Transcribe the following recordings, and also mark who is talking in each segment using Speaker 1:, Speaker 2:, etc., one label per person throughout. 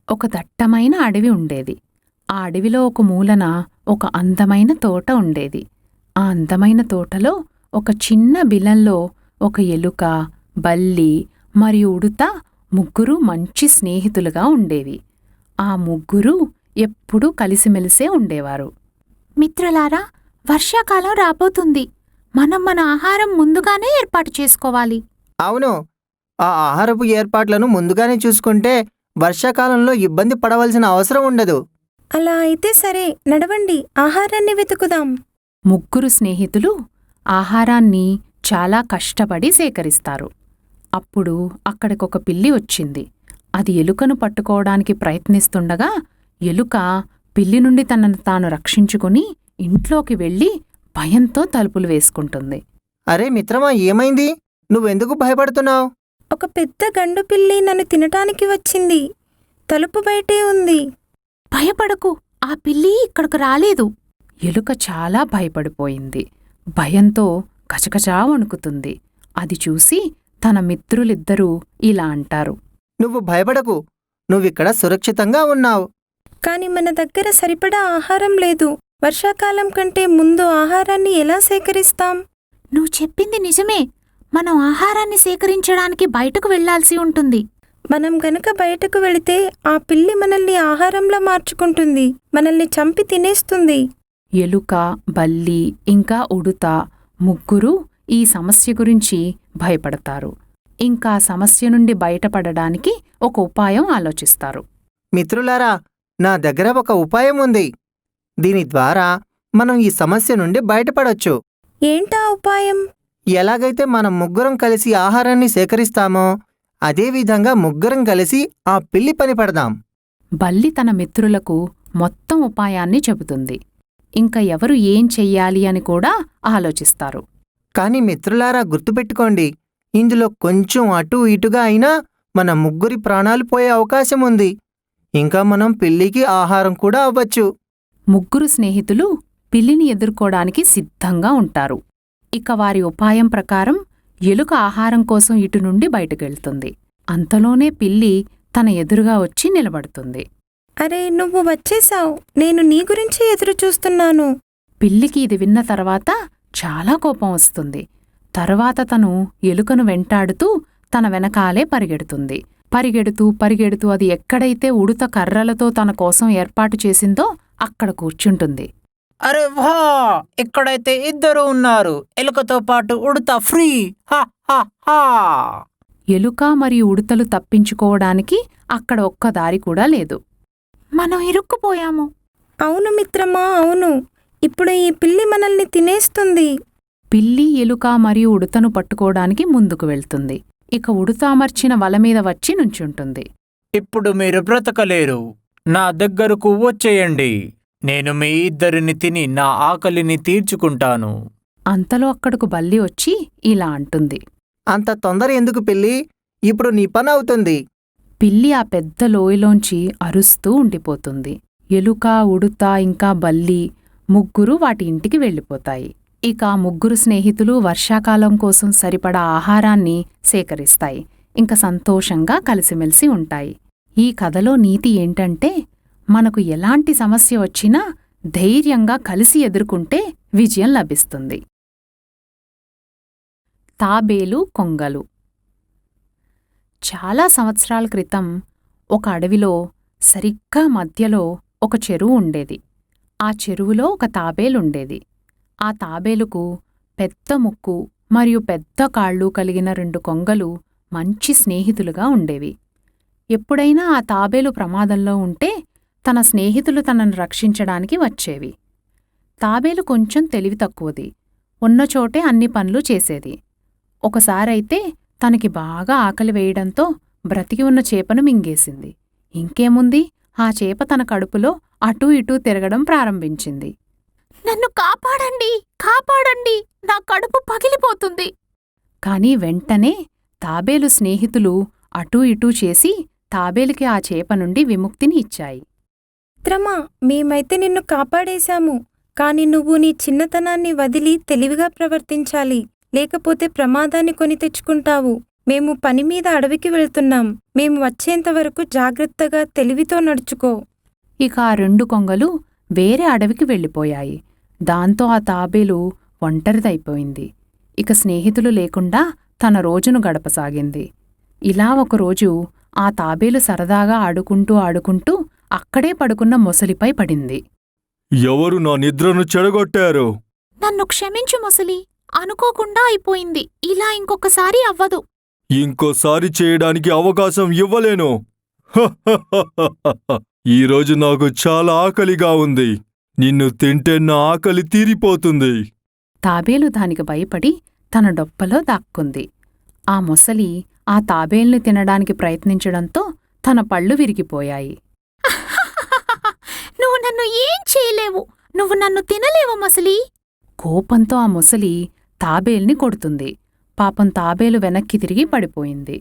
Speaker 1: ఒక దట్టమైన అడవి ఉండేది. ఆ అడవిలో ఒక మూలన ఒక అందమైన తోట ఉండేది. ఆ అందమైన తోటలో ఒక చిన్న బిలంలో ఒక ఎలుక, బల్లి మరియు ఉడుత ముగ్గురూ మంచి స్నేహితులుగా ఉండేవి. ఆ ముగ్గురూ ఎప్పుడూ కలిసిమెలిసే ఉండేవారు. మిత్రులారా, వర్షాకాలం రాబోతుంది. మనం మన ఆహారం ముందుగానే ఏర్పాటు చేసుకోవాలి.
Speaker 2: అవును, ఆ ఆహారపు ఏర్పాట్లను ముందుగానే చూసుకుంటే వర్షాకాలంలో ఇబ్బంది పడవలసిన అవసరం ఉండదు.
Speaker 3: అలా అయితే సరే, నడవండి, ఆహారాన్ని వెతుకుదాం.
Speaker 1: ముగ్గురు స్నేహితులు ఆహారాన్ని చాలా కష్టపడి సేకరిస్తారు. అప్పుడు అక్కడికొక పిల్లి వచ్చింది. అది ఎలుకను పట్టుకోవడానికి ప్రయత్నిస్తుండగా ఎలుక పిల్లి నుండి తనను తాను రక్షించుకుని ఇంట్లోకి వెళ్ళి భయంతో తలుపులు వేసుకుంటుంది.
Speaker 2: అరే మిత్రమా, ఏమైంది? నువ్వెందుకు భయపడుతున్నావు?
Speaker 3: ఒక పెద్ద గండు పిల్లి నన్ను తినటానికి వచ్చింది. తలుపు బయటే ఉంది.
Speaker 1: భయపడకు, ఆ పిల్లి ఇక్కడకు రాలేదు. ఎలుక చాలా భయపడిపోయింది. భయంతో కచకచా వణుకుతుంది. అది చూసి తన మిత్రులిద్దరూ ఇలా అంటారు.
Speaker 2: నువ్వు భయపడకు, నువ్విక్కడ సురక్షితంగా ఉన్నావు.
Speaker 3: కాని మన దగ్గర సరిపడా ఆహారం లేదు. వర్షాకాలం కంటే ముందు ఆహారాన్ని ఎలా సేకరిస్తాం?
Speaker 1: నువ్వు చెప్పింది నిజమే. మనం ఆహారాన్ని సేకరించడానికి బయటకు వెళ్లాల్సి ఉంటుంది.
Speaker 3: మనం గనక బయటకు వెళితే ఆ పిల్లి మనల్ని ఆహారంలా మార్చుకుంటుంది, మనల్ని చంపి తినేస్తుంది.
Speaker 1: ఎలుక, బల్లి ఇంకా ఉడుత ముగ్గురూ ఈ సమస్య గురించి భయపడతారు. ఇంకా సమస్య నుండి బయటపడడానికి ఒక ఉపాయం ఆలోచిస్తారు.
Speaker 2: మిత్రులారా, నా దగ్గర ఒక ఉపాయం ఉంది. దీని ద్వారా మనం ఈ సమస్య నుండి బయటపడొచ్చు.
Speaker 3: ఏంటా ఉపాయం?
Speaker 2: ఎలాగైతే మనం ముగ్గురం కలిసి ఆహారాన్ని సేకరిస్తామో అదేవిధంగా ముగ్గురం కలిసి ఆ పిల్లి పని పడదాం.
Speaker 1: బల్లి తన మిత్రులకు మొత్తం ఉపాయాన్ని చెబుతుంది. ఇంక ఎవరు ఏం చెయ్యాలి అని కూడా ఆలోచిస్తారు.
Speaker 2: కాని మిత్రులారా, గుర్తుపెట్టుకోండి, ఇందులో కొంచెం అటూ ఇటుగా అయినా మన ముగ్గురి ప్రాణాలు పోయే అవకాశం ఉంది. ఇంకా మనం పిల్లికి ఆహారం కూడా అవ్వచ్చు.
Speaker 1: ముగ్గురు స్నేహితులు పిల్లిని ఎదుర్కోడానికి సిద్ధంగా ఉంటారు. ఇక వారి ఉపాయం ప్రకారం ఎలుక ఆహారం కోసం ఇటు నుండి బయటకెళ్తుంది. అంతలోనే పిల్లి తన ఎదురుగా వచ్చి నిలబడుతుంది.
Speaker 3: అరే, నువ్వు వచ్చేశావు. నేను నీ గురించి ఎదురుచూస్తున్నాను.
Speaker 1: పిల్లికి ఇది విన్న తర్వాత చాలా కోపం వస్తుంది. తర్వాత తను ఎలుకను వెంటాడుతూ తన వెనకాలే పరిగెడుతుంది. పరిగెడుతూ అది ఎక్కడైతే ఉడుత కర్రలతో తన కోసం ఏర్పాటు చేసిందో అక్కడ కూర్చుంటుంది.
Speaker 4: అరే వా, ఇక్కడైతే ఇద్దరు ఉన్నారు. ఎలుకతో పాటు ఉడత ఫ్రీ. హా హా హా.
Speaker 1: ఎలుక మరియు ఉడుతలు తప్పించుకోవడానికి అక్కడ ఒక్క దారి కూడా లేదు. మనం ఇరుక్కుపోయాము.
Speaker 3: అవును మిత్రమా, అవును. ఇప్పుడు ఈ పిల్లి మనల్ని తినేస్తుంది.
Speaker 1: పిల్లి ఎలుక మరియు ఉడుతను పట్టుకోవడానికి ముందుకు వెళ్తుంది. ఇక ఉడుత అమర్చిన వలమీద వచ్చి నుంచుంటుంది.
Speaker 4: ఇప్పుడు మీరు బ్రతకలేరు. నా దగ్గరకు వచ్చేయండి. నేను మీ ఇద్దరిని తిని నా ఆకలిని తీర్చుకుంటాను.
Speaker 1: అంతలో అక్కడకు బల్లి వచ్చి ఇలా అంటుంది.
Speaker 2: అంత తొందర ఎందుకు పిల్లి? ఇప్పుడు నీ పని అవుతుంది.
Speaker 1: పిల్లి ఆ పెద్ద లోయలోంచి అరుస్తూ ఉండిపోతుంది. ఎలుక, ఉడుత ఇంకా బల్లి ముగ్గురు వాటి ఇంటికి వెళ్ళిపోతాయి. ఇక ఆ ముగ్గురు స్నేహితులు వర్షాకాలం కోసం సరిపడా ఆహారాన్ని సేకరిస్తాయి. ఇంక సంతోషంగా కలిసిమెలిసి ఉంటాయి. ఈ కథలో నీతి ఏంటంటే, మనకు ఎలాంటి సమస్య వచ్చినా ధైర్యంగా కలిసి ఎదుర్కొంటే విజయం లభిస్తుంది. తాబేలు, కొంగలు. చాలా సంవత్సరాల క్రితం ఒక అడవిలో సరిగ్గా మధ్యలో ఒక చెరువు ఉండేది. ఆ చెరువులో ఒక తాబేలుండేది. ఆ తాబేలుకు పెద్ద ముక్కు మరియు పెద్ద కాళ్ళు కలిగిన 2 కొంగలు మంచి స్నేహితులుగా ఉండేవి. ఎప్పుడైనా ఆ తాబేలు ప్రమాదంలో ఉంటే తన స్నేహితులు తనను రక్షించడానికి వచ్చేవి. తాబేలు కొంచెం తెలివి తక్కువది. ఉన్నచోటే అన్ని పనులు చేసేది. ఒకసారైతే తనకి బాగా ఆకలి వేయడంతో బ్రతికి ఉన్న చేపను మింగేసింది. ఇంకేముంది, ఆ చేప తన కడుపులో అటూ ఇటూ తిరగడం ప్రారంభించింది. నన్ను కాపాడండి, కాపాడండి, నా కడుపు పగిలిపోతుంది. కాని వెంటనే తాబేలు స్నేహితులు అటూ ఇటూ చేసి తాబేలుకి ఆ చేప నుండి విముక్తిని ఇచ్చాయి.
Speaker 3: మిత్రమా, మేమైతే నిన్ను కాపాడేశాము. కాని నువ్వు నీ చిన్నతనాన్ని వదిలి తెలివిగా ప్రవర్తించాలి, లేకపోతే ప్రమాదాన్ని కొని తెచ్చుకుంటావు. మేము పని మీద అడవికి వెళ్తున్నాం. మేము వచ్చేంత వరకు జాగ్రత్తగా తెలివితో నడుచుకో.
Speaker 1: ఇక ఆ 2 కొంగలు వేరే అడవికి వెళ్ళిపోయాయి. దాంతో ఆ తాబేలు ఒంటరిదైపోయింది. ఇక స్నేహితులు లేకుండా తన రోజును గడపసాగింది. ఇలా ఒకరోజు ఆ తాబేలు సరదాగా ఆడుకుంటూ అక్కడే పడుకున్న మొసలిపై పడింది.
Speaker 5: ఎవరు నా నిద్రను చెడగొట్టారు?
Speaker 1: నన్ను క్షమించు మొసలి, అనుకోకుండా అయిపోయింది. ఇలా ఇంకొకసారి అవ్వదు.
Speaker 5: ఇంకోసారి చేయడానికి అవకాశం ఇవ్వలేను. ఈరోజు నాకు చాలా ఆకలిగా ఉంది. నిన్ను తింటే నా ఆకలి తీరిపోతుంది.
Speaker 1: తాబేలు దానికి భయపడి తన డొప్పలో దాక్కుంది. ఆ మొసలి ఆ తాబేల్ని తినడానికి ప్రయత్నించడంతో తన పళ్ళు విరిగిపోయాయి. నువ్వు నన్ను ఏం చేయలేవు. నువ్వు నన్ను తినలేవు మొసలి. కోపంతో ఆ మొసలి తాబేల్ని కొడుతుంది. పాపం తాబేలు వెనక్కి తిరిగి పడిపోయింది.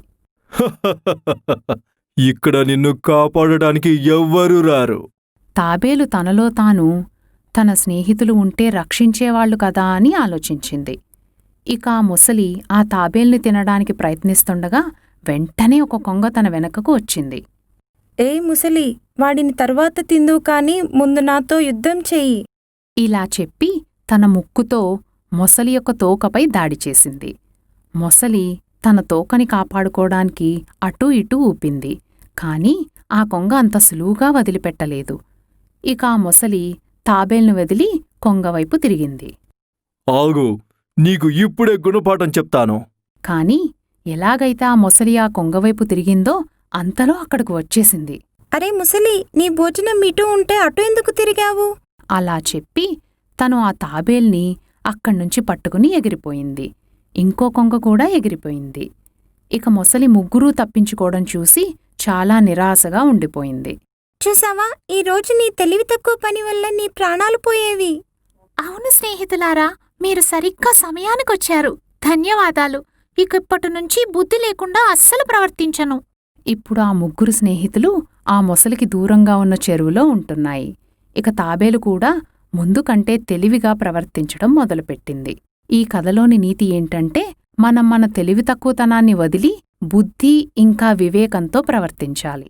Speaker 5: ఇక్కడ నిన్ను కాపాడటానికి ఎవ్వరూ రారు.
Speaker 1: తాబేలు తనలో తాను తన స్నేహితులు ఉంటే రక్షించేవాళ్లు కదా అని ఆలోచించింది. ఇక ఆ మొసలి ఆ తాబేల్ని తినడానికి ప్రయత్నిస్తుండగా వెంటనే ఒక కొంగ తన వెనకకు వచ్చింది.
Speaker 3: ఏ ముసలి, వాడిని తర్వాత తిందువు కాని ముందు నాతో యుద్ధం చెయ్యి.
Speaker 1: ఇలా చెప్పి తన ముక్కుతో మొసలి యొక్క తోకపై దాడి చేసింది. మొసలి తన తోకని కాపాడుకోవడానికి అటూ ఇటూ ఊపింది. కాని ఆ కొంగ అంత సులువుగా వదిలిపెట్టలేదు. ఇక ఆ మొసలి తాబేల్ను వదిలి కొంగవైపు తిరిగింది.
Speaker 5: ఆగు, నీకు ఇప్పుడే గుణపాఠం చెప్తాను.
Speaker 1: కాని ఎలాగైతే ఆ మొసలి ఆ కొంగవైపు తిరిగిందో అంతలో అక్కడకు వచ్చేసింది.
Speaker 3: అరే ముసలి, నీ భోజనం ఇటూ ఉంటే అటు ఎందుకు తిరిగావు?
Speaker 1: అలా చెప్పి తను ఆ తాబేల్ని అక్కడ్నుంచి పట్టుకుని ఎగిరిపోయింది. ఇంకో కొంగ కూడా ఎగిరిపోయింది. ఇక మొసలి ముగ్గురూ తప్పించుకోవడం చూసి చాలా నిరాశగా ఉండిపోయింది.
Speaker 3: చూసావా, ఈరోజు నీ తెలివి తక్కువ పని వల్ల నీ ప్రాణాలు పోయేవి.
Speaker 1: అవును స్నేహితులారా, మీరు సరిగ్గా సమయానికొచ్చారు. ధన్యవాదాలు. ఇకప్పటినుంచి బుద్ధి లేకుండా అస్సలు ప్రవర్తించను. ఇప్పుడు ఆ ముగ్గురు స్నేహితులు ఆ మొసలికి దూరంగా ఉన్న చెరువులో ఉంటున్నాయి. ఇక తాబేలు కూడా ముందు కంటే తెలివిగా ప్రవర్తించడం మొదలుపెట్టింది. ఈ కథలోని నీతి ఏంటంటే, మనం మన తెలివి తక్కువతనాన్ని వదిలి బుద్ధి ఇంకా వివేకంతో ప్రవర్తించాలి.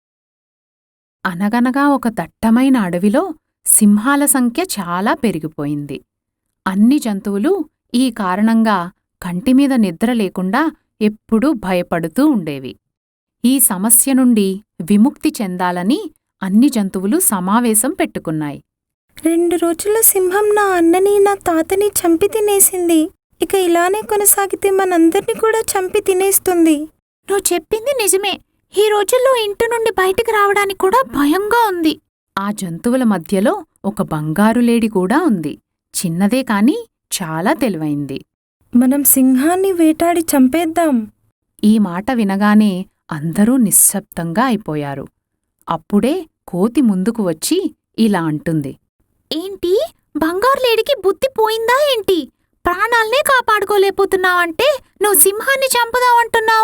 Speaker 1: అనగనగా ఒక దట్టమైన అడవిలో సింహాల సంఖ్య చాలా పెరిగిపోయింది. అన్ని జంతువులు ఈ కారణంగా కంటిమీద నిద్ర లేకుండా ఎప్పుడూ భయపడుతూ ఉండేవి. ఈ సమస్య నుండి విముక్తి చెందాలని అన్ని జంతువులు సమావేశం పెట్టుకున్నాయి.
Speaker 3: 2 రోజుల్లో సింహం నా అన్నని నా తాతని చంపి తినేసింది. ఇక ఇలానే కొనసాగితే మనందర్నీ కూడా చంపి తినేస్తుంది.
Speaker 1: నువ్వు చెప్పింది నిజమే. ఈ రోజుల్లో ఇంటి నుండి బయటికి రావడానికి కూడా భయంగా ఉంది. ఆ జంతువుల మధ్యలో ఒక బంగారు లేడి కూడా ఉంది. చిన్నదే కాని చాలా తెలివైంది.
Speaker 3: మనం సింహాన్ని వేటాడి చంపేద్దాం.
Speaker 1: ఈ మాట వినగానే అందరూ నిశ్శబ్దంగా అయిపోయారు. అప్పుడే కోతి ముందుకు వచ్చి ఇలా అంటుంది. ఏంటి, బంగారు లేడికి బుద్ధి పోయిందా ఏంటి? ప్రాణాల్నే కాపాడుకోలేకపోతున్నావంటే నువ్వు సింహాన్ని చంపుదావంటున్నావు.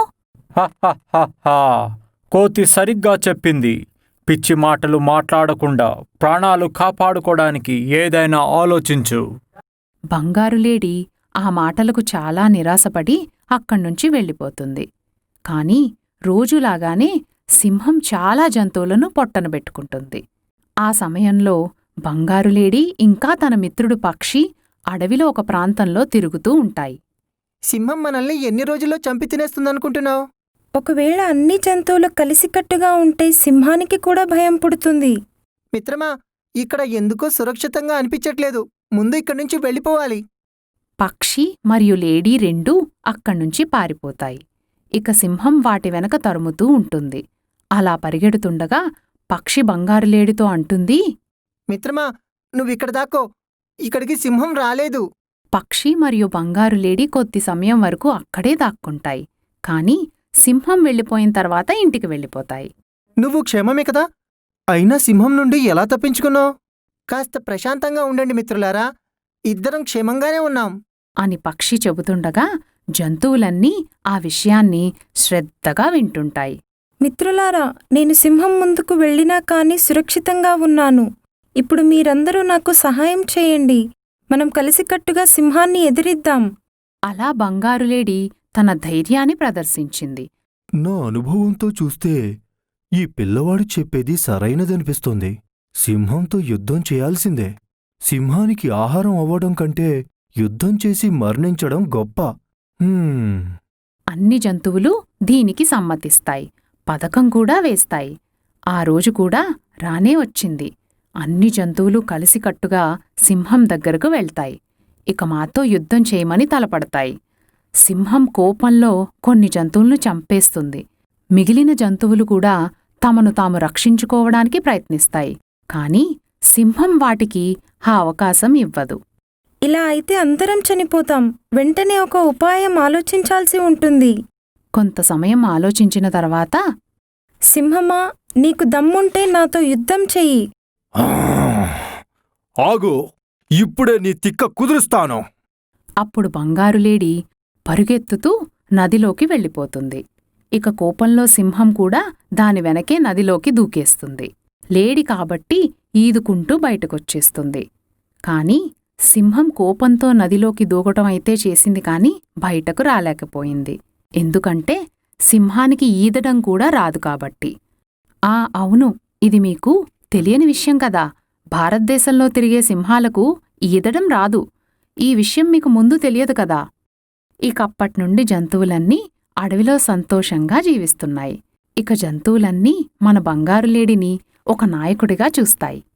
Speaker 4: హహహహా, కోతి సరిగ్గా చెప్పింది. పిచ్చి మాటలు మాట్లాడకుండా ప్రాణాలు కాపాడుకోవడానికి ఏదైనా ఆలోచించు.
Speaker 1: బంగారులేడి ఆ మాటలకు చాలా నిరాశపడి అక్కడ్నుంచి వెళ్ళిపోతుంది. కాని రోజులాగానే సింహం చాలా జంతువులను పొట్టనబెట్టుకుంటుంది. ఆ సమయంలో బంగారులేడి ఇంకా తన మిత్రుడు పక్షి అడవిలో ఒక ప్రాంతంలో తిరుగుతూ ఉంటాయి.
Speaker 2: సింహం మనల్ని ఎన్ని రోజుల్లో చంపి తినేస్తుందనుకుంటున్నావు?
Speaker 3: ఒకవేళ అన్ని జంతువులు కలిసికట్టుగా ఉంటే సింహానికి కూడా భయం పుడుతుంది.
Speaker 2: మిత్రమా, ఇక్కడ ఎందుకో సురక్షితంగా అనిపించట్లేదు. ముందు ఇక్కడి నుంచి వెళ్ళిపోవాలి.
Speaker 1: పక్షి మరియు లేడీ రెండూ అక్కడ్నుంచి పారిపోతాయి. ఇక సింహం వాటి వెనక తరుముతూ ఉంటుంది. అలా పరిగెడుతుండగా పక్షి బంగారులేడితో అంటుంది.
Speaker 2: మిత్రమా, నువ్విక్కడ దాక్కో. ఇక్కడికి సింహం రాలేదు.
Speaker 1: పక్షి మరియు బంగారులేడి కొద్ది సమయం వరకు అక్కడే దాక్కుంటాయి. కాని సింహం వెళ్ళిపోయిన తర్వాత ఇంటికి వెళ్ళిపోతాయి.
Speaker 2: నువ్వు క్షేమమే కదా? అయినా సింహం నుండి ఎలా తప్పించుకున్నావు? కాస్త ప్రశాంతంగా ఉండండి మిత్రులారా, ఇద్దరం క్షేమంగానే ఉన్నాం
Speaker 1: అని పక్షి చెబుతుండగా జంతువులన్నీ ఆ విషయాన్ని శ్రద్ధగా వింటుంటాయి.
Speaker 3: మిత్రులారా, నేను సింహం ముందుకు వెళ్ళినా కాని సురక్షితంగా ఉన్నాను. ఇప్పుడు మీరందరూ నాకు సహాయం చేయండి. మనం కలిసికట్టుగా సింహాన్ని ఎదిరిద్దాం.
Speaker 1: అలా బంగారులేడి తన ధైర్యాన్ని ప్రదర్శించింది.
Speaker 5: నా అనుభవంతో చూస్తే ఈ పిల్లవాడు చెప్పేది సరైనదనిపిస్తోంది. సింహంతో యుద్ధం చేయాల్సిందే. సింహానికి ఆహారం అవ్వడం కంటే యుద్ధం చేసి మరణించడం గొప్ప.
Speaker 1: అన్ని జంతువులు దీనికి సమ్మతిస్తాయి. పథకం కూడా వేస్తాయి. ఆ రోజు కూడా రానే వచ్చింది. అన్ని జంతువులు కలిసికట్టుగా సింహం దగ్గరకు వెళ్తాయి. ఇక మాతో యుద్ధం చేయమని తలపడతాయి. సింహం కోపంలో కొన్ని జంతువులను చంపేస్తుంది. మిగిలిన జంతువులు కూడా తమను తాము రక్షించుకోవడానికి ప్రయత్నిస్తాయి. కాని సింహం వాటికి ఆ అవకాశం ఇవ్వదు.
Speaker 3: ఇలా అయితే అందరం చనిపోతాం. వెంటనే ఒక ఉపాయం ఆలోచించాల్సి ఉంటుంది.
Speaker 1: కొంత సమయం ఆలోచించిన తర్వాత,
Speaker 3: సింహమా, నీకు దమ్ముంటే నాతో యుద్ధం చెయ్యి.
Speaker 5: ఆగు, ఇప్పుడే నీ తిక్క కుదురుస్తాను.
Speaker 1: అప్పుడు బంగారులేడి పరుగెత్తుతూ నదిలోకి వెళ్ళిపోతుంది. ఇక కోపంలో సింహం కూడా దాని వెనకే నదిలోకి దూకేస్తుంది. లేడి కాబట్టి ఈదుకుంటూ బయటకొచ్చేస్తుంది. కాని సింహం కోపంతో నదిలోకి దూకటమైతే చేసింది కాని బయటకు రాలేకపోయింది. ఎందుకంటే సింహానికి ఈదడం కూడా రాదు కాబట్టి. అవును, ఇది మీకు తెలియని విషయం కదా. భారతదేశంలో తిరిగే సింహాలకు ఈదడం రాదు. ఈ విషయం మీకు ముందు తెలియదు కదా. ఇకప్పట్నుండి జంతువులన్నీ అడవిలో సంతోషంగా జీవిస్తున్నాయి. ఇక జంతువులన్నీ మన బంగారులేడిని ఒక నాయకుడిగా చూస్తాయి.